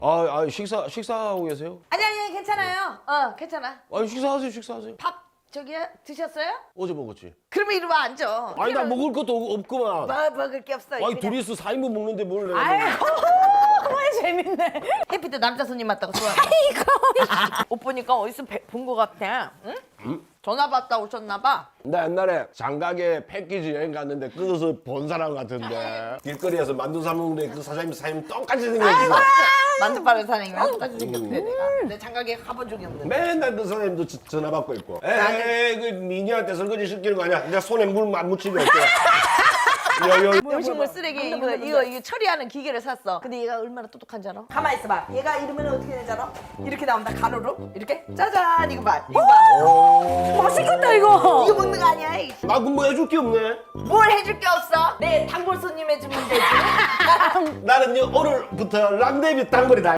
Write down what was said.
식사하고 계세요? 아니 괜찮아요. 괜찮아. 아니 식사하세요. 밥 저기 드셨어요? 어제 먹었지. 그러면 이리 와 앉아. 아니 나 먹을 것도 없구만. 뭐 먹을 게 없어. 아니 둘이서 4인분 먹는데 뭘 내가 아이고 정말 재밌네. 해피도 남자 손님 맞다고 좋아해. 옷 보니까 어디서 본 거 같아. 응? 전화 받다 오셨나 봐. 나 옛날에 장가게 패키지 여행 갔는데 그것을 본 사람 같은데 길거리에서 만두 사 먹는데 그 사장님 똑같이 생겼어. 만두 빠른 사장님이랑 똑같이 생겼대 내가. 근데 장가게 가본 적이 없는데. 맨날 그 사장님도 전화 받고 있고. 에이 그 미녀한테 설거지 시키는 거 아니야? 내가 손에 물 안 묻히게 할게. 음식물 쓰레기 이거 처리하는 기계를 샀어. 근데 얘가 얼마나 똑똑한지 알아? 가만 있어봐. 얘가 이러면 어떻게 되지 알아? 이렇게 나온다 가로로 이렇게 짜잔 이거 봐. 이거 봐. 맛있겠다 이거. 이거 먹는 거 아니야? 이씨. 나 그럼 뭐 해줄 게 없네. 뭘 해줄 게 없어? 내 단골 손님 해주면 되지. 나는 오늘부터 랑데비 단골이다.